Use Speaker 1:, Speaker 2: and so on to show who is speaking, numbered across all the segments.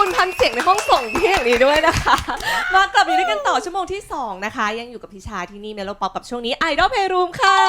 Speaker 1: คุณพันเสียงในห้องส่งที่อย่างนี้ด้วยนะคะมากลับอยู่ด้วยกันต่อชั่วโมงที่2นะคะยังอยู่กับพิชาที่นี่เมโลป๊อปกับช่วงนี้ Idol Playroom ค่ะ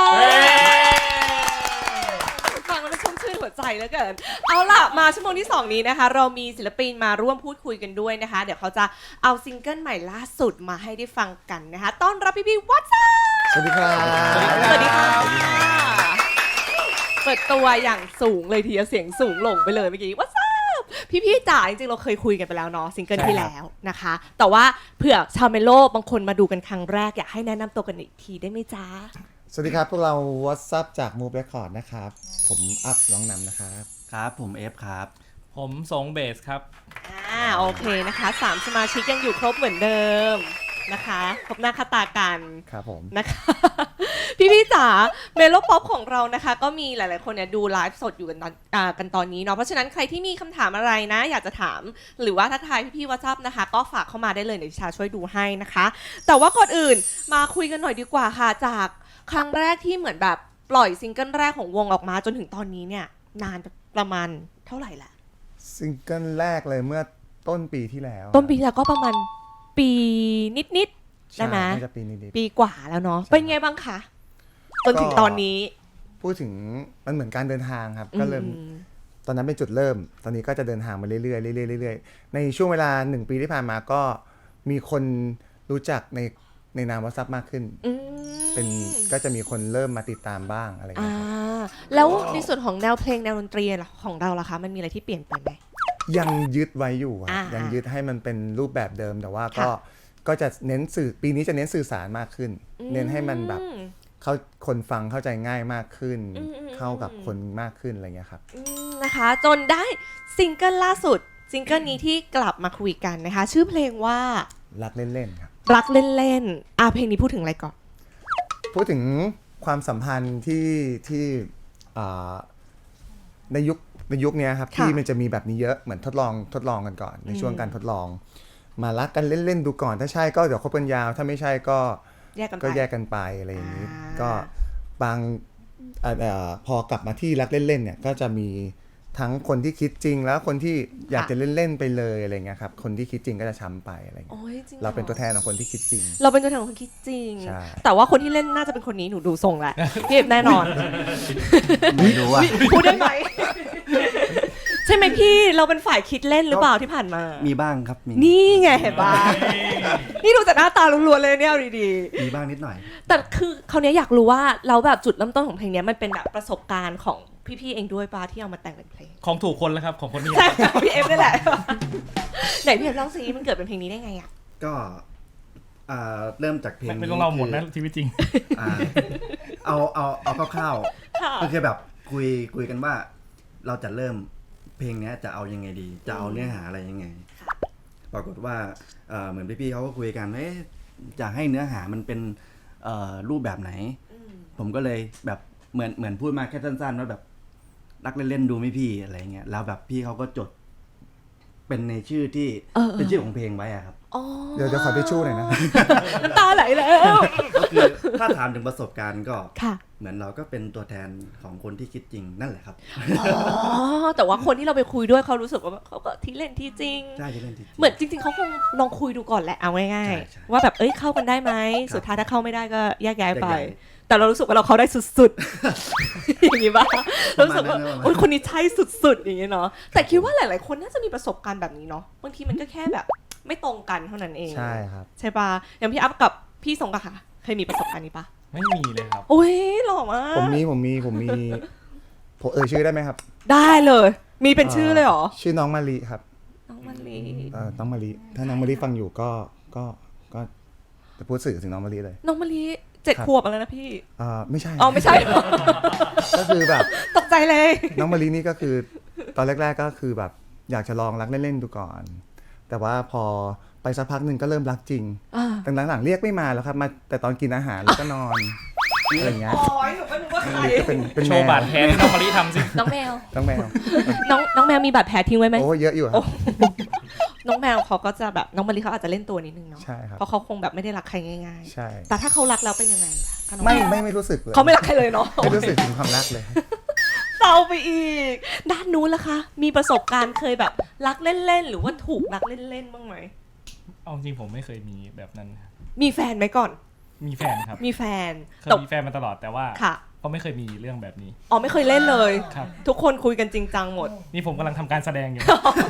Speaker 1: ฟังแล้วมันชุ่มชื่นหัวใจเหลือเกินเอาล่ะมาชั่วโมงที่2นี้นะคะเรามีศิลปินมาร่วมพูดคุยกันด้วยนะคะเดี๋ยวเขาจะเอาซิงเกิลใหม่ล่าสุดมาให้ได้ฟังกันนะคะต้อนรับพี่วัตซ่า
Speaker 2: สวัสดีครับ
Speaker 1: สวัสดีค่ะเปิดตัวอย่างสูงเลยทีเดียวเสียงสูงหลงไปเลยเมื่อกี้วัตซ่าพี่จ๋าจริงๆเราเคยคุยกันไปแล้วเนาะซิงเกิลที่แล้วนะคะแต่ว่าเผื่อชาวเมโลบางคนมาดูกันครั้งแรกอยากให้แนะนำตัวกันอีกทีได้ไหมจ๊ะ
Speaker 2: สวัสดีครับพวกเรา WhatsApp จาก Move Record นะครับผมอัพร้องนำนะครับ
Speaker 3: ครับผมเอฟครับ
Speaker 4: ผมสงเบสครับ
Speaker 1: โอเคนะคะ3สมาชิกยังอยู่ครบเหมือนเดิมนะคะครบหน้าค่าตากัน
Speaker 2: ครับผม
Speaker 1: นะคะพี่จ๋าเมโลป๊อปของเรานะคะก็มีหลายๆคนเนี่ยดูไลฟ์สดอยู่กันตอนนี้เนาะเพราะฉะนั้นใครที่มีคำถามอะไรนะอยากจะถามหรือว่าทักทายพี่ๆ WhatsApp นะคะก็ฝากเข้ามาได้เลยเดี๋ยวชาช่วยดูให้นะคะแต่ว่าก่อนอื่นมาคุยกันหน่อยดีกว่าค่ะจากครั้งแรกที่เหมือนแบบปล่อยซิงเกิลแรกของวงออกมาจนถึงตอนนี้เนี่ยนานประมาณเท่าไหร่ละ
Speaker 2: ซิงเกิลแรกเลยเมื่อต้นปีที่แล้ว
Speaker 1: ต้นปีแล้วก็ประมาณปีนิดๆได้ไหม
Speaker 2: น่าจะปีนิด
Speaker 1: ปีกว่าแล้วเนาะเป็นไงบ้างคะจนถึงตอนนี้
Speaker 2: พูดถึงมันเหมือนการเดินทางครับก็เริ่มตอนนั้นเป็นจุดเริ่มตอนนี้ก็จะเดินทางมาเรื่อยๆเรื่อยๆในช่วงเวลา1ปีที่ผ่านมาก็มีคนรู้จักในนาม WhatsApp มากขึ้นเป็นก็จะมีคนเริ่มมาติดตามบ้างอะไรอย่างเงี้ย
Speaker 1: แล้วในส่วนของแนวเพลงแนวดนตรีของเราล่ะคะมันมีอะไรที่เปลี่ยนไปไหม
Speaker 2: ยังยึดไว้อยู่ยังยึดให้มันเป็นรูปแบบเดิมแต่ว่าก็จะเน้นสื่อปีนี้จะเน้นสื่อสารมากขึ้นเน้นให้มันแบบคนฟังเข้าใจง่ายมากขึ้นเข้ากับคนมากขึ้นอะไรเงี้ยครับ
Speaker 1: นะคะจนได้ซิงเกิลล่าสุดซิงเกิลนี้ที่กลับมาคุยกันนะคะชื่อเพลงว่า
Speaker 2: รักเล่นๆครับ
Speaker 1: รักเล่นๆเพลงนี้พูดถึงอะไรก่อน
Speaker 2: พูดถึงความสัมพันธ์ที่ในยุคนี้ครับที่มันจะมีแบบนี้เยอะเหมือนทดลองกันก่อนในช่วงการทดลองมารักกันเล่นๆดูก่อนถ้าใช่ก็เดี๋ยวคบกันยาวถ้าไม่ใช่ก็แยกกันไปอะไรอย่างนี้ก็บางพอกลับมาที่รักเล่นๆเนี่ยก็จะมีทั้งคนที่คิดจริงแล้วคนที่อยากจะเล่นๆไปเลยอะไรเงี้ยครับคนที่คิดจริงก็จะช้ำไปอะไรเงี้ยเราเป็นตัวแทนของคนที่คิดจริง
Speaker 1: เราเป็นตัวแทนของคนคิดจริงแต่ว่าคนที่เล่นน่าจะเป็นคนนี้หนูดูทรงแหละพี่เอฟแน่นอน
Speaker 3: ไม่รู้ว่า
Speaker 1: พูดได้ไหมใช่ไหมพี่เราเป็นฝ่ายคิดเล่นหรือเปล่าที่ผ่านมา
Speaker 3: มีบ้างครับ
Speaker 1: นี่ไงเห็นป่ะนี่ดูจากหน้าตาล้วนๆเลยเนี่ยดี
Speaker 3: ๆมีบ้างนิดหน่อย
Speaker 1: แต่คือคราวนี้อยากรู้ว่าเราแบบจุดเริ่มต้นของเพลงนี้มันเป็นแบบประสบการณ์ของพี่ๆเองด้วยป่ะที่เอามาแต่งเป็นเพลง
Speaker 4: ของถูกคนแล้วครับของคนนี้
Speaker 1: ใช่พี่เอฟนี่แหละไหนพี่เอฟลองซิมันเกิดเป็นเพลงนี้ได้ไงอ่ะ
Speaker 3: ก็เริ่มจากเพลง
Speaker 4: ไม่ต้องเล่าหมดนะชีวิตจริง
Speaker 3: เอาคร่าวๆก็คือแบบคุยกันว่าเราจะเริ่มเพลงนี้จะเอายังไงดีจะเอาเนื้อหาอะไรยังไงปรากฏว่าเหมือนพี่ๆเขาก็คุยกันจะให้เนื้อหามันเป็นรูปแบบไหนผมก็เลยแบบเหมือนพูดมาแค่สั้นๆว่าแบบรักเล่นๆดูไหมพี่อะไรเงี้ยแล้วแบบพี่เขาก็จดเป็นในชื่อที่เป็นชื่อของเพลงไว้อะครับ
Speaker 2: เดี๋ยวขอทิชชู่หน่อยนะ
Speaker 1: น้ำตาไหลแล้ว
Speaker 3: ก็คือถ้าถามถึงประสบการณ์ก็เหมือนเราก็เป็นตัวแทนของคนที่คิดจริงนั่นแหละครับ
Speaker 1: แต่ว่าคนที่เราไปคุยด้วยเขารู้สึกว่าเขาก็ที่เล่นที่จริง
Speaker 3: ใช่ที่เล่นที่จริง
Speaker 1: เหมือนจริงๆเขาคงลองคุยดูก่อนแหละเอาง่ายๆว่าแบบเข้ากันได้ไหมสุดท้ายถ้าเข้าไม่ได้ก็แยกย้ายไปแต่เรารู้สึกว่าเราเข้าได้สุดๆอย่างนี้ป่ะรู้สึกว่าโอ๊ยคนนี้ใช่สุดๆอย่างนี้เนาะแต่คิดว่าหลายๆคนน่าจะมีประสบการณ์แบบนี้เนาะบางทีมันก็แค่แบบไม่ตรงกันเท่านั้นเอง
Speaker 2: ใช่ครับ
Speaker 1: ใช่ป่ะอย่างพี่อัพกับพี่สงค่ะเคยมีประสบการณ์นี้ป่ะ
Speaker 4: ไม่มีเลยครับ
Speaker 1: โอ้ยหล่อมาก
Speaker 2: ผมมีผมชื่อได้ไหมครับ
Speaker 1: ได้เลยมีเป็นชื่อเลยเหรอ
Speaker 2: ชื่อน้องมาลีครับ
Speaker 1: น้องมาลี
Speaker 2: น้องมาลีถ้าน้องมาลีฟังอยู่ก็จะพูดสื่อถึงน้องมาลีเลย
Speaker 1: น้องมาลี7 ขวบแล้วนะพี่
Speaker 2: ไม่ใช่
Speaker 1: ไม่ใช่
Speaker 2: ก็คือแบบ
Speaker 1: ตกใจเลย
Speaker 2: น้องมาลีนี่ก็คือตอนแรกๆก็คือแบบอยากจะลองรักเล่นๆดูก่อนแต่ว่าพอไปสักพักหนึ่งก็เริ่มรักจริงแต่หลังๆเรียกไม่มาแล้วครับมาแต่ตอนกินอาหารแล้วก็นอนอะไรอย่างเงี้ย
Speaker 1: อ๋อหนูก็นึกว่าใคร
Speaker 2: เป็น
Speaker 4: โชว์บาดแผลน้องมาลีทำสิ
Speaker 1: น้องแมวน้องแมวมีบาดแผลทิ้งไว้ไหม
Speaker 2: โอ้เยอะอยู่ครับ
Speaker 1: น้องแมวเขาก็จะแบบน้องมาลีเขาอาจจะเล่นตัวนิดนึงเนาะ
Speaker 2: ใช่ครับ
Speaker 1: เพราะเขาคงแบบไม่ได้รักใครง่าย
Speaker 2: ๆใช่
Speaker 1: แต่ถ้าเขารักแล้วเป็นยังไง
Speaker 2: ไม่รู้สึกเลย
Speaker 1: เขาไม่รักใครเลยเนาะ
Speaker 2: ไม่รู้สึกถึงความรักเลย
Speaker 1: ตาไปอีกด้านนู้นล่ะคะมีประสบการณ์เคยแบบรักเล่นๆหรือว่าถูกรักเล่นๆบ้างไหม
Speaker 4: เอาจริงผมไม่เคยมีแบบนั้นครับ
Speaker 1: มีแฟนไหมก่อน
Speaker 4: มีแฟนครับ
Speaker 1: มีแฟน
Speaker 4: เคย
Speaker 1: แต่
Speaker 4: มีแฟนมาตลอดแต่ว่า
Speaker 1: ค่ะ
Speaker 4: ก็ไม่เคยมีเรื่องแบบนี้
Speaker 1: อ๋อไม่เคยเล่นเลย
Speaker 4: ครับ
Speaker 1: ทุกคนคุยกันจริงจังหมด
Speaker 4: นี่ผมกำลังทำการแสดงอยู่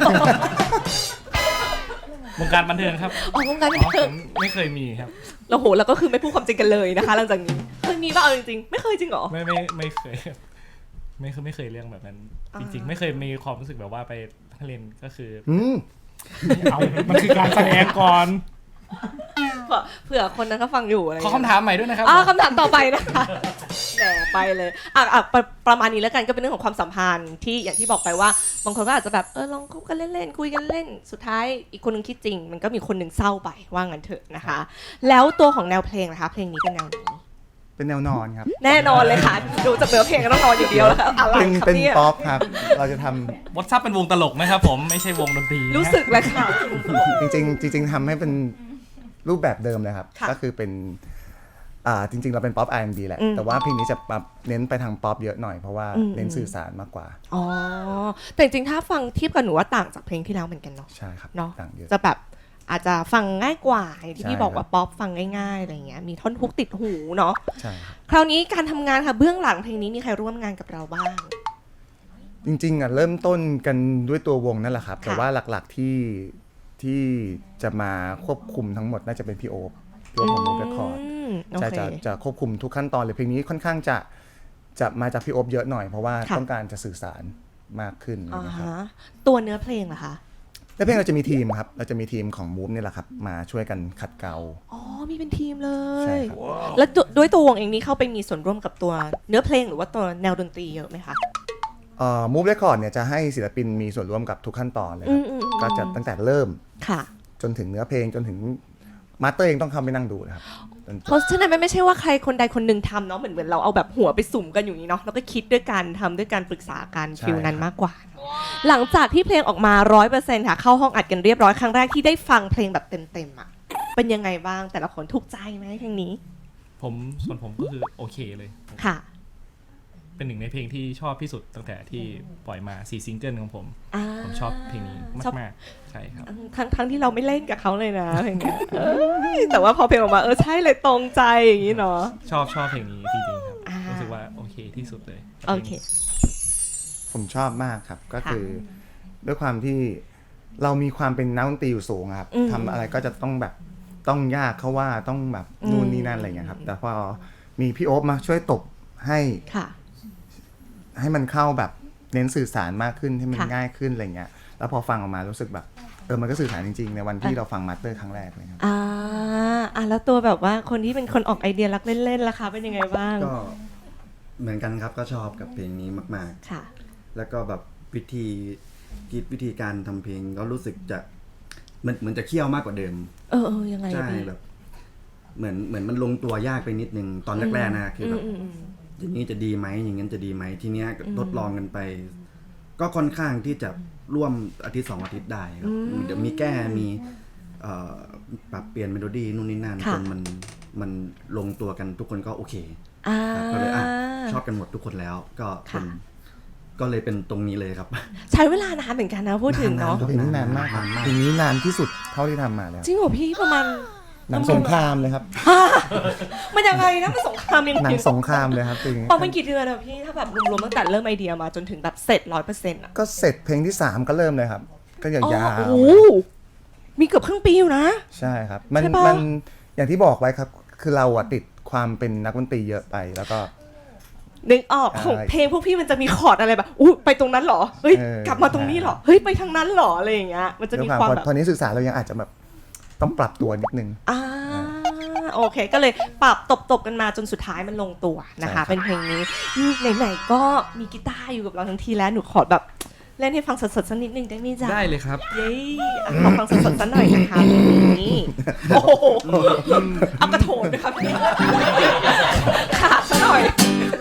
Speaker 4: วงการบันเทิงครับ
Speaker 1: อ๋อวงการบัน
Speaker 4: อ๋อ
Speaker 1: เทิ
Speaker 4: ผ
Speaker 1: ง
Speaker 4: มไม่เคยมีครับ
Speaker 1: แล้วโหแล้วก็คือไม่พูดความจริงกันเลยนะคะ หลังจากนี้เคยมีป่ะเอาจริงๆไม่เคยจริงเหรอ
Speaker 4: ไม่เคยครับไม่เคยเรื่องแบบนั้น จริง ๆ ไม่เคยมีความรู้สึกแบบว่าไปเล่นก็คือ เอามันคือการแสดงก่อน
Speaker 1: เผื่อคนนั้นเขาฟังอยู่อะไร
Speaker 4: ขอคำถามใหม่ด้วยนะครับ
Speaker 1: คำถามต่อไปนะคะแหมไปเลยประมาณนี้แล้วกันก็เป็นเรื่องของความสัมพันธ์ที่อย่างที่บอกไปว่าบางคนก็อาจจะแบบลองคบกันเล่นๆคุยกันเล่นสุดท้ายอีกคนนึงคิดจริง มันก็มีคนหนึ่งเศร้าไปว่างั้นเถอะนะคะ แล้วตัวของแนวเพลงนะคะเพลงนี้เป็นแนวไหน
Speaker 2: เป็นแนวนอนครับ
Speaker 1: แน่นอนเลยค่ะดูจากเนื้อเพลงก็ต้องนอนอย่างเดียวแล้วอะไร
Speaker 2: เป็น
Speaker 1: ครับ
Speaker 2: เป็น
Speaker 1: เนี่ย
Speaker 2: ป๊อปครับเราจะทำ
Speaker 4: วอทซับเป็นวงตลกนะครับผมไม่ใช่วงดนตรีนะ
Speaker 1: รู้สึกเลยค่ะ
Speaker 2: จริงๆทำให้เป็นรูปแบบเดิมเลยครับ
Speaker 1: ค่ะ
Speaker 2: ก็คือเป็นจริงๆเราเป็นป๊อป R&B แหละ
Speaker 1: อืม
Speaker 2: แต่ว่าเพลงนี้จะปรับเน้นไปทางป๊อปเยอะหน่อยเพราะว่า
Speaker 1: อืม
Speaker 2: เน้นสื่อสารมากกว่า
Speaker 1: อ๋อแต่จริงๆถ้าฟังเทียบกับหนูว่าต่างจากเพลงที่แล้วเหมือนกันเนาะ
Speaker 2: ใช่ครับ
Speaker 1: เนาะ
Speaker 2: ต่างเยอะ
Speaker 1: จะแบบอาจจะฟังง่ายกว่าอย่างที่
Speaker 2: ใช่
Speaker 1: พี่บอกว่า
Speaker 2: ครับ
Speaker 1: ป๊อปฟังง่ายๆอะไรเงี้ยมีท่อนฮุกติดหูเนาะ
Speaker 2: ใช่ครับ
Speaker 1: คราวนี้การทำงานค่ะเบื้องหลังเพลงนี้มีใครร่วมงานกับเราบ้าง
Speaker 2: จริงๆเริ่มต้นกันด้วยตัววงนั่นแหละครับ
Speaker 1: ค่ะ
Speaker 2: แต่ว่าหลักๆที่จะมาควบคุมทั้งหมดน่าจะเป็นพี่โอ๊คตัวของมูฟเรคคอร์ด
Speaker 1: โอ
Speaker 2: ใช่
Speaker 1: เค
Speaker 2: จะควบคุมทุกขั้นตอนเลยเพลงนี้ค่อนข้างจะมาจากพี่โอ๊คเยอะหน่อยเพราะว่า
Speaker 1: ค่ะ
Speaker 2: ต้องการจะสื่อสารมากขึ้น
Speaker 1: อ่า
Speaker 2: นะครับ
Speaker 1: ฮะตัวเนื้อเพลงเหรอคะ
Speaker 2: แล้วเพลงเราจะมีทีมครับเราจะมีทีมของมูฟนี่แหละครับมาช่วยกันขัดเกลา
Speaker 1: อ๋อมีเป็นทีมเล
Speaker 2: ใช่
Speaker 1: ย
Speaker 2: ครับ
Speaker 1: แล้วด้วยตัววงเองนี้เข้าไปมีส่วนร่วมกับตัวเนื้อเพลงหรือว่าตัวแนวดนตรีเยอะไหมคะ
Speaker 2: มูฟเรคคอร์ดเนี่ยจะให้ศิลปินมีส่วนร่วมกับทุกขั้นตอนเลยครับ
Speaker 1: อืม
Speaker 2: ก็จะตั้งแต่เริ่ม
Speaker 1: ค่ะ
Speaker 2: จนถึงเนื้อเพลงจนถึงมาสเตอร์เองต้องเข้าไปนั่งดูนะครับจนจ
Speaker 1: เพ
Speaker 2: บ
Speaker 1: ราะฉะนั้นมันไม่ใช่ว่าใครคนใดคนหนึ่งทำเนาะเหมือนเราเอาแบบหัวไปสุ่มกันอยู่นี้เนาะแล้วก็คิดด้วยกันทำด้วยการปรึกษากันฟิลนั้นมากกว่า หลังจากที่เพลงออกมา 100% ค่ะเข้าห้องอัดกันเรียบร้อยครั้งแรกที่ได้ฟังเพลงแบบเต็มๆอ่ะเป็นยังไงบ้างแต่ละคนถูกใจไหมเพลงนี้
Speaker 4: ส่วนผมก็คือโอเคเลย
Speaker 1: ค่ะ
Speaker 4: เป็นหนึ่งในเพลงที่ชอบที่สุดตั้งแต่ที่ปล่อยมา4ซิงเกิลของผม
Speaker 1: อ่า
Speaker 4: ผมชอบเพลงนี้
Speaker 1: ชอบ
Speaker 4: มากๆใช่ครับ
Speaker 1: ทั้งที่เราไม่เล่นกับเขาเลยนะเพลงเนี้ยแต่ว่าพอเพลงออกมาใช่เลยตรงใจอย่างนี้เนาะ
Speaker 4: ชอบเพลงนี้จริงๆครับ
Speaker 1: อ่ารู้
Speaker 4: รู้สึกว่าโอเคที่สุดเลยกับ
Speaker 1: โอ
Speaker 4: พลง
Speaker 1: เค
Speaker 4: นี้
Speaker 2: ผมชอบมากครับก็
Speaker 1: ค่ะ
Speaker 2: คือด้วยความที่เรามีความเป็นนักดนตรีอยู่สูงอะครับ
Speaker 1: อืม
Speaker 2: ทำอะไรก็จะต้องแบบต้องยากเขาว่าต้องแบบนู่นนี่นั่นอะไรเงี้ยครับแต่พอมีพี่โอ๊คมาช่วยตบให้
Speaker 1: ค่ะ
Speaker 2: ให้มันเข้าแบบเน้นสื่อสารมากขึ้นให้มัน
Speaker 1: ค่ะ
Speaker 2: ง่ายขึ้นอะไรเงี้ยแล้วพอฟังออกมารู้สึกแบบมันก็สื่อสารจริงๆในวันที่เราฟังมาสเตอร์ครั้งแรกเลยครับ
Speaker 1: แล้วตัวแบบว่าคนที่เป็นคนออกไอเดียรักเล่นๆล่ะคะเป็นยังไงบ้าง
Speaker 3: ก็เหมือนกันครับก็ชอบกับเพลงนี้มาก
Speaker 1: ค่ะ
Speaker 3: ๆ แล้วก็แบบวิธีคิดวิธีการทำเพลงก็รู้สึกจะเหมือนจะเคี่ยวมากกว่าเดิม
Speaker 1: ยังไง
Speaker 3: ใช่
Speaker 1: พี่
Speaker 3: แบบเหมือนมันลงตัวยากไปนิดนึงตอนแรกๆนะคือแบบ อย่างนี้จะดีไหมอย่างนั้นจะดีไหมทีเนี้ยทดลองกันไป ก็ค่อนข้างที่จะร่วมอาทิตย์2 อาทิตย์ได้ครับเดี๋ยวมีแก้มีปรับเปลี่ยนเมโลดี้นู่นนี่นั่น
Speaker 1: ค่ะ
Speaker 3: จนมันลงตัวกันทุกคนก็โอเค
Speaker 1: อ่า
Speaker 3: ครับก็เลยชอบกันหมดทุกคนแล้วก็เป็น
Speaker 1: ค่ะ
Speaker 3: ก็เลยเป็นตรงนี้เลยครับ
Speaker 1: ใช้เวลานานเหมือนกันนะพูดถึงเนาะ
Speaker 2: เพลงนี้นานมากครับเพลงนี้นานที่สุดเท่าที่ทำมาแล้ว
Speaker 1: จริงเหรอพี่ประมาณ
Speaker 2: หนังสงครามเลยครับ
Speaker 1: มันยังไงนะมันสงครามยัง
Speaker 2: หนั
Speaker 1: ไง
Speaker 2: งสงครามเลยครับเพลงนี้
Speaker 1: ประมาณกี่เดือนอะพี่ถ้าแบบรวมๆตั้งแต่เริ่มไอเดียมาจนถึงแบบเสร็จ 100%อะ
Speaker 2: ก็เสร็จเพลงที่ 3 ก็เริ่มเลยครับ ก็ยาว
Speaker 1: โอ้โหมีเกือบครึ่งปีอยู่นะ
Speaker 2: ๆใช่ครับมัน
Speaker 1: ใช่ปะ
Speaker 2: มันอย่างที่บอกไว้ครับ คือเราอะติดความเป็นนักดนตรีเยอะไปแล้วก็
Speaker 1: นึกออกของเพลงพวกพี่มันจะมีคอร์ดอะไรแบบอู้ไปตรงนั้นเหรอเฮ้ย กลับมาตรงนี้เหรอเฮ้ยไปทางนั้นเหรออะไรอย่างเงี้ยมันจะ
Speaker 2: ด้วย
Speaker 1: มีความแบบ
Speaker 2: พอนี้สื่อสารเรายังอาจจะแบบต้องปรับตัวนิดนึง
Speaker 1: โอเคก็เลยปรับตบกันมาจนสุดท้ายมันลงตัวนะคะ
Speaker 2: ใช่ครับ
Speaker 1: เป็นเพลงนี้ไหนๆก็มีกีตาร์อยู่กับเราทั้งทีแล้วหนูขอแบบเล่นให้ฟังสดๆสักนิดนึงได้ไหมจ๊ะ
Speaker 4: ได้เลยครับ
Speaker 1: เย้ขอฟังสดๆสักหน่อยนะคะเพลงนี้โอ้โหเอากระโถนนะคะพี่ขาดซะหน่อย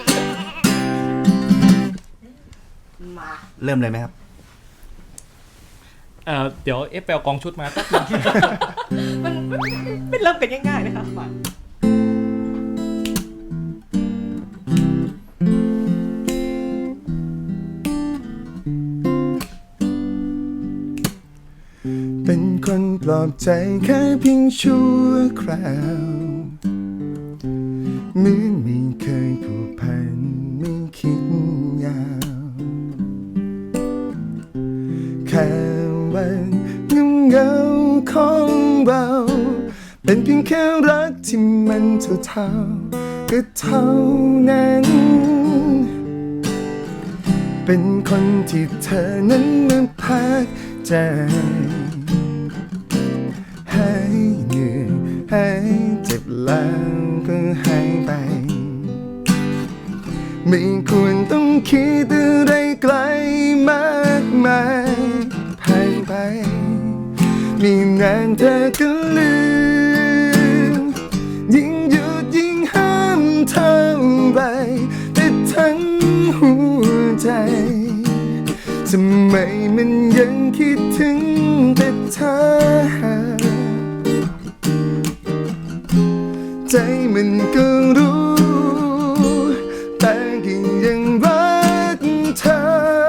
Speaker 1: มา
Speaker 3: เริ่มเลยไหมครับ
Speaker 4: เดี๋ยวเอฟไปเอากองชุดมาแป๊บนึง
Speaker 1: มันไม่เริ่มกันง่ายๆนะคะมา
Speaker 2: ลอบใจแค่เพียงชั่วคราวเหมือนไม่เคยผูกพันไม่คิดยาวแค่วันเงาของเราเป็นเพียงแค่รักที่มันเท่าก็เท่านั้นเป็นคนที่เธอนั้นมาพักใจให้เหนื่อยให้เจ็บแล้วก็หายไปไม่ควรต้องคิดอะไรไกลมากมายผ่านไปมีนานเธอก็ลืมยิ่งหยุดยิ่งห้ามเท่าไรแต่ทั้งหัวใจทำไมมันยังคิดถึงแต่เธอใจมันก็รู้แต่ก็ยังรักเธอ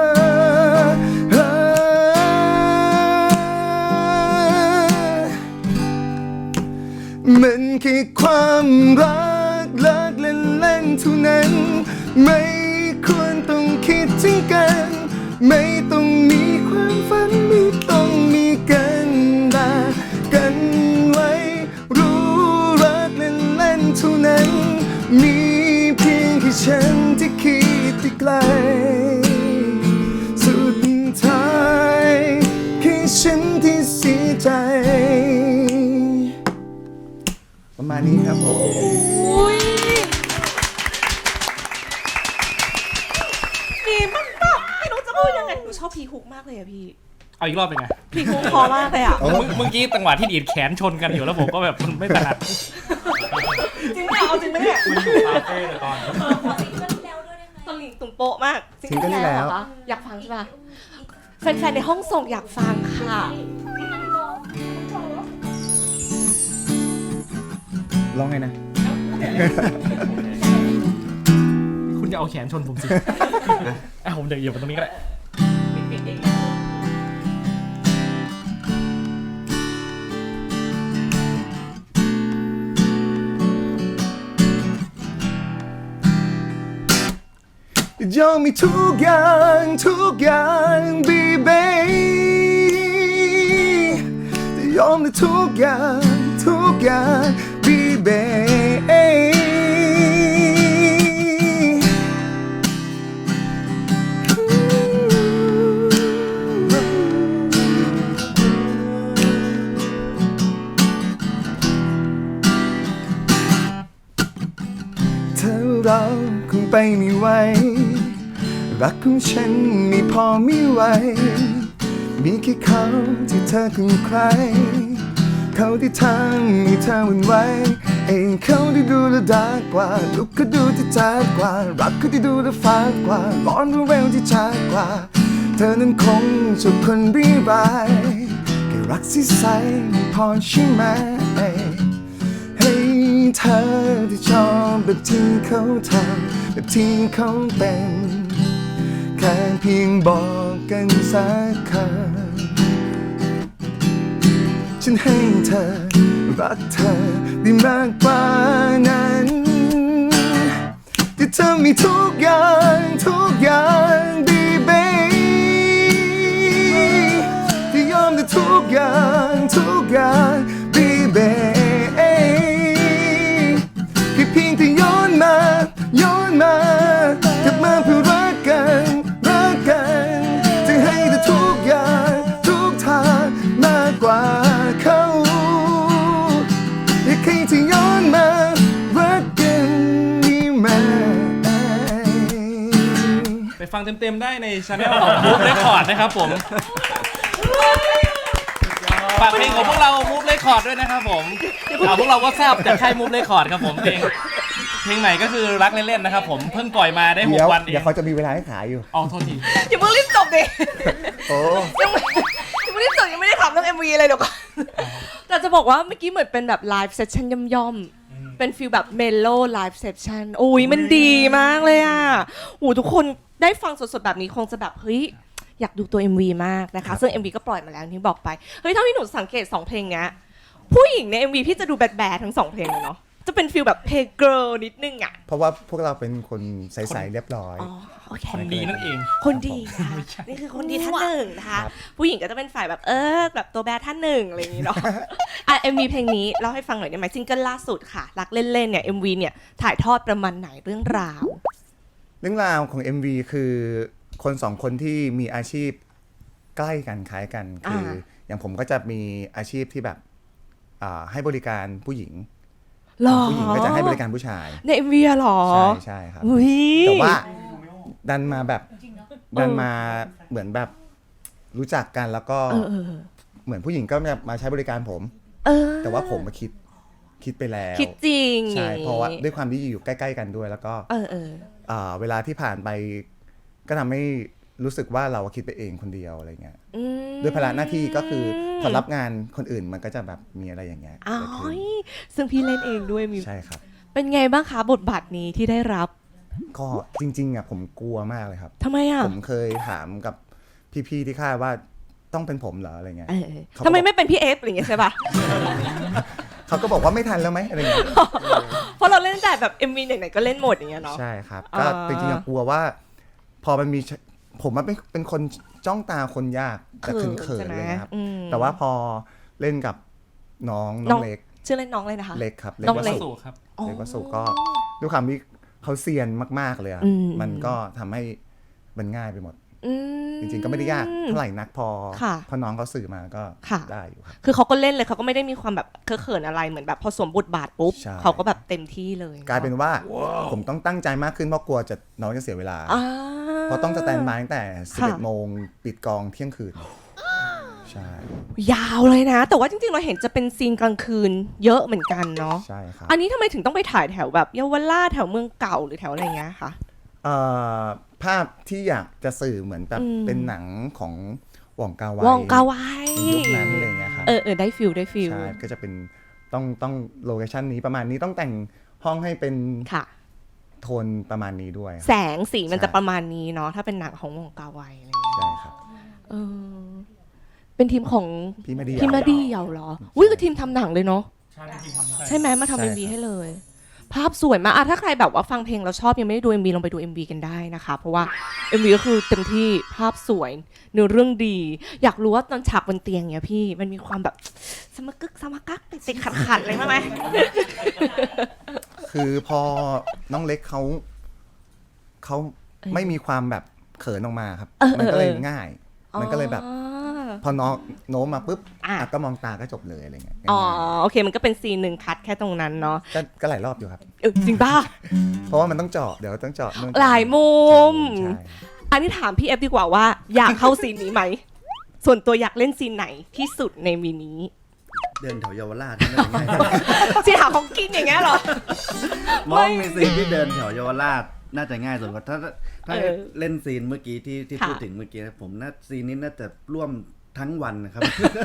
Speaker 2: มันแค่ความรักเล่นๆเท่านั้นไม่ควรต้องคิดถึงกันไม่ต้องมีความฝันไม่ต้องมีกันด่ากันไว้รู้รักเล่นๆเท่านั้นมีเพียงแค่ฉันที่คิดไปไกลสุดท้ายแค่ฉันที่เสียใจประมาณนี้ครับผม
Speaker 1: อุ้ยดีมากไม่รู้จะพูดยังไงหนูชอบพีฮุกมากเลยอะพี่
Speaker 4: เอาอีกรอบเป็นไง
Speaker 1: พีฮุกพอมากเลยอะ
Speaker 4: เมื่อกี้จังหวะที่ดีดแขนชนกันอยู่แล้วผมก็แบบมันไม่ถนัด
Speaker 1: จริงไหมเอาจริงไหมเนี่ย
Speaker 4: มันอยู่คาเฟ่เลยตอน
Speaker 1: ตอนหลิงตุ่มโปะมาก
Speaker 2: ซิงเกิลที่แล้ว
Speaker 1: เหรอคะอยากฟังใช่ปะแฟนๆในห้องส่งอยากฟังค่ะ
Speaker 2: ร้องไงนะ
Speaker 4: คุณจะเอาแขนชนผมสิ ผมเดี๋ยวเหยียบไปตรงนี้ก็ได้
Speaker 2: ยอมมีทุกอย่างบีเบจะยอมในทุกอย่างบีเบเธอเราคงไปไม่ไหวรักของฉันไม่พอไม่ไหวมีแค่เขาที่เธอคือใครเขาที่ทำให้เธอหวั่นไหวเองเขาที่ดูแลดากว่าลุกก็ดูที่ชัดกว่ารักเขาที่ดูแลฟ้ากว่าร้อนรู้เร็วที่ชัดกว่าเธอนั้นคงชอบคนรีบายแค่รักสิใสไม่พอใช่ไหมให้เธอที่ชอบแบบที่เขาทำแบบที่เขาเป็นแค่เพียงบอกกันสักคำฉันให้เธอรักเธอได้มากกว่านั้นที่เธอมีทุกอย่างดีเบที่ยอมได้ทุกอย่างดีเบแค่เพียงที่ย้อนมากลับมาเพื่อรักกันจะให้เธอทุกอย่างทุกทางมากกว่าเขาอยากให้เธอย้อนมารักกันนี่ไหม
Speaker 4: ไปฟังเต็มๆได้ในช anel ของ Move Record นะครับผมฝากเพลงของพวกเรา Move Record ด้วยนะครับผมพวกเราก็ทราบจากค่าย Move Record ครับผมเพลงใหม่ก็คือรักเล่นๆนะครับผมเพิ่งปล่อยมาได้6 วันเอง
Speaker 2: เดี๋ยวเขาจะมีเวลาให้ขายอยู่
Speaker 4: อ๋อโทษที
Speaker 1: อย่าเพิ่งรีบจบดิ
Speaker 2: โอ้
Speaker 1: ยังไม่ได้จบยังไม่ได้ถามเรื่อง MV เลยเดี๋ยวก่อนแต่จะบอกว่าเมื่อกี้เหมือนเป็นแบบไลฟ์เซสชั่นย่อมๆเป็นฟีลแบบเมโลไลฟ์เซสชั่นโอ้ยมันดีมากเลยอ่ะโอ้ทุกคนได้ฟังสดๆแบบนี้คงจะแบบเฮ้ยอยากดูตัว MV มากนะคะซึ่ง MV ก็ปล่อยมาแล้วอย่างที่บอกไปเฮ้ยเท่าที่หนูสังเกต2เพลงเนี้ยผู้หญิงใน MV พี่จะดูแบดๆทั้ง2เพลงเลยเนาะจะเป็นฟีลแบบเพย์เกิร์ลนิดนึงอ่ะ
Speaker 2: เพราะว่าพวกเราเป็นคนใสๆเรียบร้อย
Speaker 1: อ๋อโอเค
Speaker 4: คนดีนั่นเอง
Speaker 1: คนดีค่ะนี่คือคนดีท่านหนึ่งนะคะ ผู้หญิงก็จะเป็นฝ่ายแบบแบบตัวแบดท่านหนึ่งอะไรอย่างนี้เนาะ MV เพลงนี้เล่าให้ฟังหน่อยได้ไหมซิงเกิลล่าสุดค่ะรักเล่นๆเนี่ย MV เนี่ยถ่ายทอดประมาณไหนเรื่องราว
Speaker 2: เรื่องราวของ MV คือคนสองคนที่มีอาชีพใกล้กันคล้ายกันคืออย่างผมก็จะมีอาชีพที่แบบให้บริการผู้หญิง
Speaker 1: หรอ
Speaker 2: ผู้หญิงก็จะให้บริการผู้ชาย
Speaker 1: ใน MV อะหรอ
Speaker 2: ใช่ครับ
Speaker 1: อุ๊ย
Speaker 2: แต่ว่าดันมาเหมือนแบบรู้จักกันแล้วก็เหมือนผู้หญิงก็มาใช้บริการผม แต่ว่าผมมาคิดไปแล้ว
Speaker 1: คิดจริง
Speaker 2: ใช่เพราะว่าด้วยความที่อยู่ใกล้ๆกันด้วยแล้วก็เวลาที่ผ่านไปก็ทำให้รู้สึกว่าเราคิดไปเองคนเดียวอะไรเงี้ยด้วยภาระหน้าที่ก็คือพอรับงานคนอื่นมันก็จะแบบมีอะไรอย่างเงี้ย
Speaker 1: อ๋อ
Speaker 2: เกิดขึ้น
Speaker 1: ซึ่งพี่เล่นเองด้วยมี
Speaker 2: ใช่ครับ
Speaker 1: เป็นไงบ้างคะบทบาทนี้ที่ได้รับ
Speaker 2: ก็จริงๆอ่ะผมกลัวมากเลยครับ
Speaker 1: ทำไมอ่ะ
Speaker 2: ผมเคยถามกับพี่ๆที่ค่ายว่าต้องเป็นผมเหรออะไรเงี้ย
Speaker 1: ทำไมไม่เป็นพี่เอฟอะไรอย่างเงี้ยใช่ป่ะ
Speaker 2: เขาก็บอกว่าไม่ทันแล้วไหมอะไรเงี้ย
Speaker 1: เพราะเราเล่นแต่แบบ MV ไหนๆก็เล่นหมดอย่างเงี้ยเนาะ
Speaker 2: ใช่ครับก็จริงๆกลัวว่าพอมันมีผมมันเป็นคนจ้องตาคนยากแต่เขินๆเลยนะครับแต่ว่าพอเล่นกับน้องเล็ก
Speaker 1: ชื่อเล่นน้องเลยนะคะ
Speaker 2: เล็กครับ
Speaker 1: น้องเล็ก
Speaker 2: วสุ
Speaker 4: ครับ
Speaker 2: เล็กวสุก็ด้วยความที่เขาเซียนมากๆเลยอะมันก็ทำให้มันง่ายไปหมดจริงๆก็ไม่ได้ยากเท่าไหร่นักพอน้องเขาสื่อมาก็ได้อยู่ครับ
Speaker 1: คือเขาก็เล่นเลยเขาก็ไม่ได้มีความแบบเขินอะไรเหมือนแบบพอสวมบทบาทปุ๊บ
Speaker 2: ใช่
Speaker 1: เขาก็แบบเต็มที่เลย
Speaker 2: กลายเป็นว่าผมต้องตั้งใจมากขึ้นเพราะกลัวน้องจะเสียเวลาเพราะต้องสแตนบายตั้งแต่11 โมงปิดกองเที่ยงคืนใช่
Speaker 1: ยาวเลยนะ แต่ว่าจริงๆเราเห็นจะเป็นซีนกลางคืนเยอะเหมือนกันเนาะ
Speaker 2: ใช่ครับ
Speaker 1: อันนี้ทำไมถึงต้องไปถ่ายแถวแบบเยาวราชแถวเมืองเก่าหรือแถวอะไรเงี้ยคะ
Speaker 2: ภาพที่อยากจะสื่อเหมือนแบบเป็นหนังของหว่องกาไว
Speaker 1: วองกาไว
Speaker 2: ในยุคนั้นอะไรเงี้ยครับ
Speaker 1: ได้ฟิลได้ฟิล
Speaker 2: ใช่ก็จะเป็นต้องโลเคชั่นนี้ประมาณนี้ต้องแต่งห้องให้เป็น
Speaker 1: ค่ะ
Speaker 2: โทนประมาณนี้ด้วย
Speaker 1: แสงสีมันจะประมาณนี้เนาะถ้าเป็นหนังของวองกาไวอะไรเงี้ย
Speaker 2: ใช่ครับ
Speaker 1: เป็นทีมของ
Speaker 2: พี่มาดี
Speaker 1: พี่มาดีเหรออุ้ยคือทีมทำหนังเลยเนาะ
Speaker 4: ใช่จริงๆ
Speaker 1: ใช่ไหมมา
Speaker 2: ใช่
Speaker 1: ทำ
Speaker 2: ครั
Speaker 1: เอ็
Speaker 2: บ
Speaker 1: มวีให้เลย ภาพสวยมากถ้าใครแบบว่าฟังเพลงแล้วชอบยังไม่ได้ดู MV ลองไปดู MV กันได้นะคะ เพราะว่า MV ก็คือเต็มที่ภาพสวยเนื้อเรื่องดี อยากรู้ว่าตอนฉากบนเตียงเนี่ยพี่มันมีความแบบสมกึกสมกักติดขัดอะไรบ้างไหม
Speaker 2: คือพอน้องเล็กเขาไม่มีความแบบเขินออกมาครับมันก็เลยง่าย มันก็เลยแบบพอน้องโน้มมาปุ๊บก็มองตาก็จบเลยอะไรเงี้ย
Speaker 1: อ๋อโอเคมันก็เป็นซีนหนึ่งคัดแค่ตรงนั้นเนาะ
Speaker 2: ก็หลายรอบอยู่ครับ
Speaker 1: จริงป่ะ
Speaker 2: เพราะว่ามันต้องเจาะเดี๋ยวต้องเจาะนู่น
Speaker 1: หลายมุม
Speaker 2: ใช่
Speaker 1: อันนี้ถามพี่เอฟดีกว่าว่าอยากเข้าซีนนี้ไหม ส่วนตัวอยากเล่นซีนไหนที่สุดในวีนี้
Speaker 3: เดินแถวเยาวราชนั่นง่าย
Speaker 1: ซีนหาของกินอย่างเงี้ยเหรอ
Speaker 3: มองมีซีนที่เดินแถวเยาวราชน่าจะง่ายสุดกว่าถ้า
Speaker 1: เออ
Speaker 3: เล่นซีนเมื่อกี้ที่
Speaker 1: ค่ะ
Speaker 3: พูดถึงเมื่อกี้ผมซีนนี้น่าจะร่วมทั้งวันนะครับ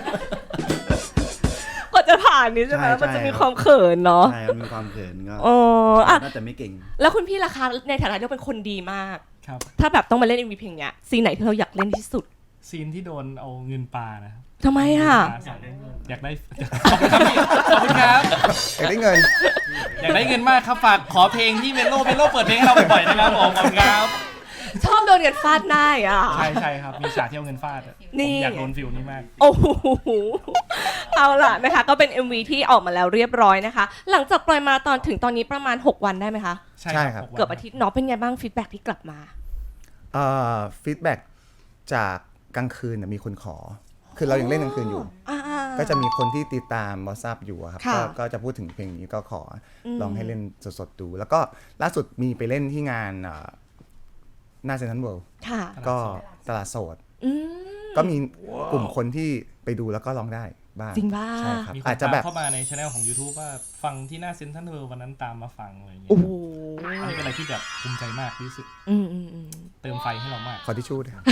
Speaker 1: กว่าจะผ่านนี้ใช่ไหม
Speaker 3: ใช่
Speaker 1: มันจะมี
Speaker 3: ครับ
Speaker 1: ความเขินเนาะ
Speaker 3: ใช่มันมีความเขินก็
Speaker 1: อ๋ออ่ะ
Speaker 3: น่าจะไม่เก่ง
Speaker 1: แล้วคุณพี่ล่ะคะในฐานะที่เป็นคนดีมาก
Speaker 4: ครับ
Speaker 1: ถ้าแบบต้องมาเล่น MV เพลงเนี้ยซีนไหนที่เราอยากเล่นที่สุด
Speaker 4: ซีนที่โดนเอาเงินปลานะครับ
Speaker 1: ทำไมอ่ะ
Speaker 4: อยากได้ขอบคุณครับ
Speaker 2: อยากได้เงิน
Speaker 4: อยากได้เงินมากครับฝากขอเพลงที่เมโลเปิดเพลงให้เราบ่อยๆนะครับผมขอบคุณครับ
Speaker 1: ชอบโดนเงินฟาดหน้าอ่ะ
Speaker 4: ใช่ครับมีฉากที่เอาเงินฟาดอะ
Speaker 1: นี่
Speaker 4: ผมอยากโดนฟิลนี้มาก
Speaker 1: โอ้โหเอาล่ะนะคะ ก็เป็น MV ที่ออกมาแล้วเรียบร้อยนะคะ หลังจากปล่อยมาถึงตอนนี้ประมาณ 6 วันได้ไหมคะ
Speaker 2: ใช่ครับ
Speaker 4: 6วัน
Speaker 1: เกือบอาทิตย์เนาะเป็นไงบ้างฟีดแบ็กที่กลับมา
Speaker 2: ฟีดแบ็กจากกลางคืนมีคนขอ คือเรายังเล่นกลางคืนอยู่ ก็จะมีคนที่ติดตามวอทซับอยู่อะครับ
Speaker 1: ค่ะ
Speaker 2: ก็จะพูดถึงเพลงนี้ก็ขอลองให้เล่นสดๆดู แล้วก็ล่าสุดมีไปเล่นที่งานหน้าเซ็นทรัลเวิลด์
Speaker 1: ค่ะ
Speaker 2: ก็ตลาดโสด
Speaker 1: อืม
Speaker 2: ก็มีกลุ่มคนที่ไปดูแล้วก็ร้องได้บ้าง
Speaker 1: จริงป่ะ
Speaker 2: ใช่ครับ
Speaker 4: มีคน
Speaker 2: อาจจะ
Speaker 4: ตาม
Speaker 2: แบบ
Speaker 4: เข้ามาในช anel ของ YouTube ว่าฟังที่หน้าเซ็นทรัลเวิลด์วันนั้นตามมาฟังอะไรอย่างเงี้
Speaker 1: โอ้
Speaker 4: ย
Speaker 1: โห
Speaker 4: อันนี้เป็นอะไรที่แบบภูมิใจมากที่สุด
Speaker 1: อืม
Speaker 4: เติมไฟให้เรามาก
Speaker 2: ขอทิชชู่ด้วยครับ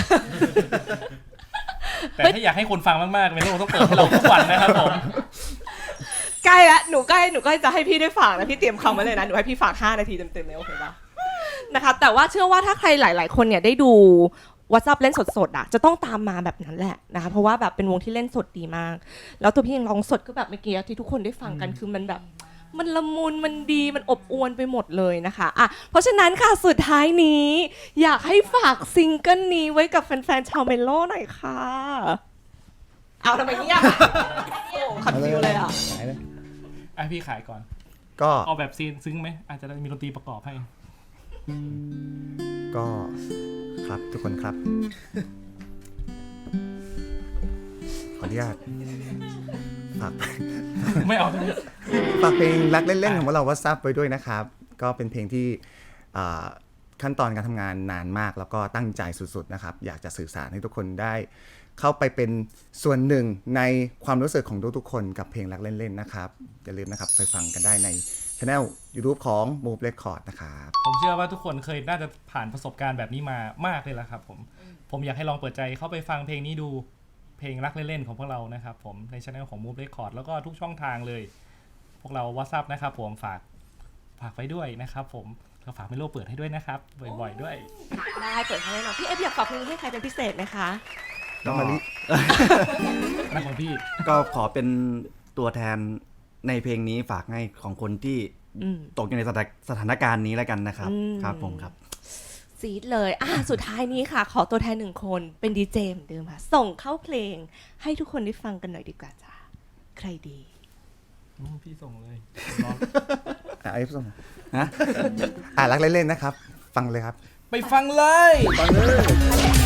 Speaker 4: แต่ถ้าอยากให้คนฟังมากๆเมโลต้องเปิดให้เราทุกวันนะครับผม
Speaker 1: ใกล้ละหนูใกล้จะให้พี่ได้ฝากนะพี่เตรียมคำไว้เลยนะหนูให้พี่ฝาก5 นาทีเต็มๆเลยโอเคป่ะนะคะแต่ว่าเชื่อว่าถ้าใครหลาย ๆ คนเนี่ยได้ดู WhatsApp เล่นสดๆอ่ะจะต้องตามมาแบบนั้นแหละนะคะเพราะว่าแบบเป็นวงที่เล่นสดดีมาก แล้วตัวพี่ยังร้องสดก็แบบเมื่อกี้ที่ทุกคนได้ฟังกันคือมันแบบมันละมุนมันดีมันอบอวลไปหมดเลยนะคะอ่ะเพราะฉะนั้นค่ะสุดท้ายนี้อยากให้ฝากซิงเกิลนี้ไว้กับแฟนๆชาวเมโลหน่อยค่ะเอาทำไมเงียบโอ้คอนฟิวเลยอ่ะ
Speaker 4: พี่ขายก่อน
Speaker 2: ก็
Speaker 4: เอาแบบซีนซึ้งไหมอาจจะได้มีดนตรีประกอบให้
Speaker 2: ก็ครับทุกคนครับ ขออนุญาตฝาก
Speaker 4: ไม่เอาใช่ไหม
Speaker 2: ฝากเพลงรักเล่นๆของพวกเราว่าซับไว้ด้วยนะครับ ก็เป็นเพลงที่ขั้นตอนการทำงานนานมากแล้วก็ตั้งใจสุดๆนะครับอยากจะสื่อสารให้ทุกคนได้เข้าไปเป็นส่วนหนึ่งในความรู้สึกของทุกๆคนกับเพลงรักเล่นๆนะครับอย่าลืมนะครับไปฟังกันได้ในchannel YouTube ของ Move Record นะครับ
Speaker 4: ผมเชื่อว่าทุกคนเคยน่าจะผ่านประสบการณ์แบบนี้มามากเลยละครับผมอยากให้ลองเปิดใจเข้าไปฟังเพลงนี้ดูเพลงรักเล่นๆของพวกเรานะครับผมในช่องของ Move Record แล้วก็ทุกช่องทางเลยพวกเรา WhatsApp นะครับผมฝากไว้ด้วยนะครับผมก็ฝากเมโลเปิดให้ด้วยนะครับบ่อยๆด้วย
Speaker 1: ได้เปิดให้แน่นอนพี่เอฟอยากฝากเพลงให้ใครเป็นพิเศษไหมคะ
Speaker 3: ก็
Speaker 4: นักของพี่
Speaker 3: ก็ขอเป็นตัวแทนในเพลงนี้ฝากให้ของคนที่ตกอยู่ในสถานการณ์นี้แล้วกันนะครับครับผมครับ
Speaker 1: ซีดเลยสุดท้ายนี้ค่ะ ขอตัวแทนหนึ่งคนเป็นดีเจเหมือนเดิมค่ะ ส่งเข้าเพลงให้ทุกคนได้ฟังกันหน่อยดีกว่าจ้าใครดี
Speaker 4: พี่ส่งเลย
Speaker 2: ไอ้ส่ง
Speaker 3: ฮะ
Speaker 2: รักเล่นๆนะครับ ฟังเลยครับ
Speaker 4: ไปฟังเลย
Speaker 2: ฟังเลย